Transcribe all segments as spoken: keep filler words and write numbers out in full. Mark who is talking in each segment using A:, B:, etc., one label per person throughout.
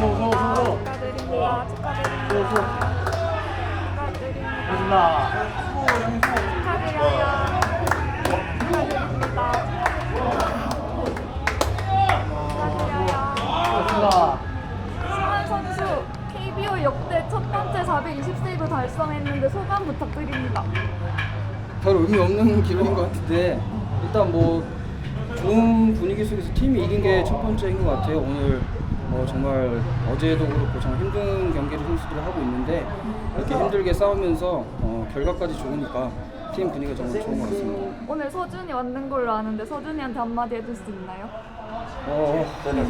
A: 축하드립니다. 축하드립니다. 축하드립니다. 축하드려요. 축하드립니다. 축하드려요. 승환 선수 케이비오 역대 첫 번째 사백이십 세이브 달성했는데 소감 부탁드립니다.
B: 별 의미 없는 기록인 것 같은데 일단 뭐 좋은 분위기 속에서 팀이 이긴 게 첫 번째인 것 같아요. 오늘 뭐 정말 어제도 그렇고 정말 힘든 경기를 선수들이 하고 있는데 이렇게 힘들게 싸우면서 어, 결과까지 좋으니까 팀 분위기가 정말 좋은 것 같습니다.
A: 오늘 서준이 왔는 걸로 아는데 서준이한테 한마디 해줄 수 있나요?
B: 어,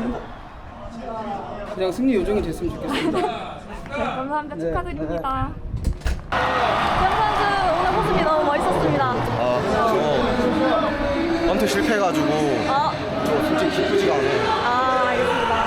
B: 그냥 승리 요정이 됐으면 좋겠습니다.
A: 네, 감사합니다.
B: 네,
A: 축하드립니다. 현 선수 오늘 모습이 너무 멋있었습니다.
C: 아, 저 헌트 실패해가지고
A: 아,
C: 저 솔직히 기쁘지가 않아요.
A: 아 알겠습니다.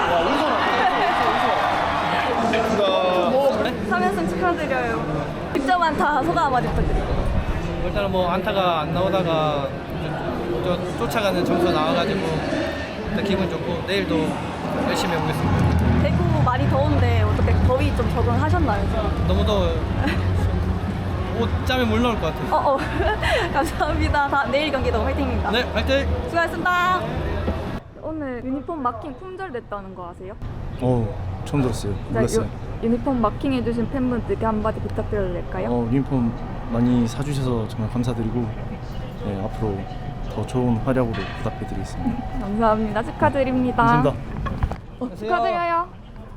A: 삼 연승 축하드려요. 득점 안타 소감 한마디 부탁드립니다.
D: 일단은 뭐 안타가 안 나오다가 저, 저, 쫓아가는 점수 나와가지고 일단 기분 좋고 내일도 열심히 해보겠습니다.
A: 대구 많이 더운데 어떻게 더위 좀 적응하셨나요?
D: 너무 더워요. 옷 짬에 물 넣을 것 같아요.
A: 어, 어. 감사합니다. 다, 내일 경기도 화이팅입니다.
D: 네, 화이팅!
A: 수고하셨습니다. 오늘 유니폼 마킹 품절됐다는 거 아세요?
E: 어, 처음 들었어요.
A: 자,
E: 몰랐어요.
A: 유, 유니폼 마킹 해주신 팬분들께 한마디 부탁드려도 될까요?
E: 어, 유니폼 많이 사주셔서 정말 감사드리고 네, 앞으로 더 좋은 활약으로 보답해드리겠습니다.
A: 감사합니다. 축하드립니다.
E: 감사합니다.
A: 어, 축하드려요.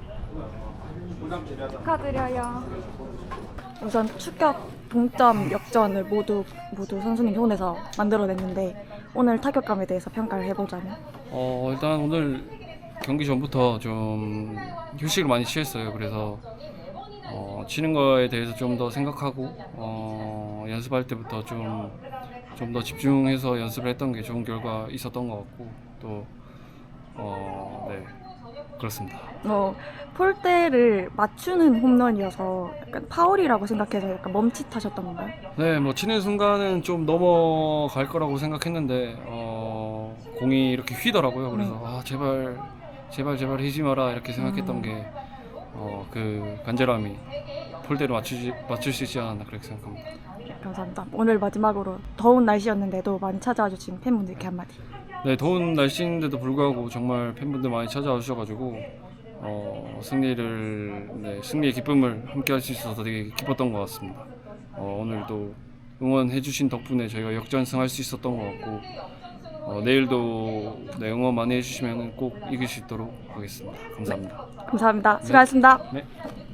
A: 축하드려요. 우선 추격, 동점, 역전을 모두 모두 선수님 손에서 만들어냈는데 오늘 타격감에 대해서 평가를 해보자면
F: 어 일단 오늘 경기 전부터 좀 휴식을 많이 취했어요. 그래서 어, 치는 거에 대해서 좀 더 생각하고 어, 연습할 때부터 좀 좀 더 집중해서 연습을 했던 게 좋은 결과 있었던 것 같고 또 어, 네 그렇습니다.
A: 어, 폴대를 맞추는 홈런이어서 약간 파울이라고 생각해서 약간 멈칫하셨던 건가요?
F: 네, 뭐 치는 순간은 좀 넘어갈 거라고 생각했는데 어, 공이 이렇게 휘더라고요. 그래서
A: 네.
F: 아 제발 제발 제발 hi지 마라 이렇게 생각했던
A: 음.
F: 게 어, 그 간절함이 폴대로 맞추지 맞출 수 있지 않았나 그렇게 생각합니다.
A: 감사합니다. 오늘 마지막으로 더운 날씨였는데도 많이 찾아와 주신 팬분들께 한마디.
F: 네, 더운 날씨인데도 불구하고 정말 팬분들 많이 찾아와 주셔가지고 어, 승리를 네, 승리의 기쁨을 함께 할 수 있어서 되게 기뻤던 것 같습니다. 어, 오늘도 응원해주신 덕분에 저희가 역전승할 수 있었던 것 같고 어, 내일도 네, 응원 많이 해주시면 꼭 이길 수 있도록 하겠습니다. 감사합니다.
A: 감사합니다. 수고하셨습니다.
F: 네.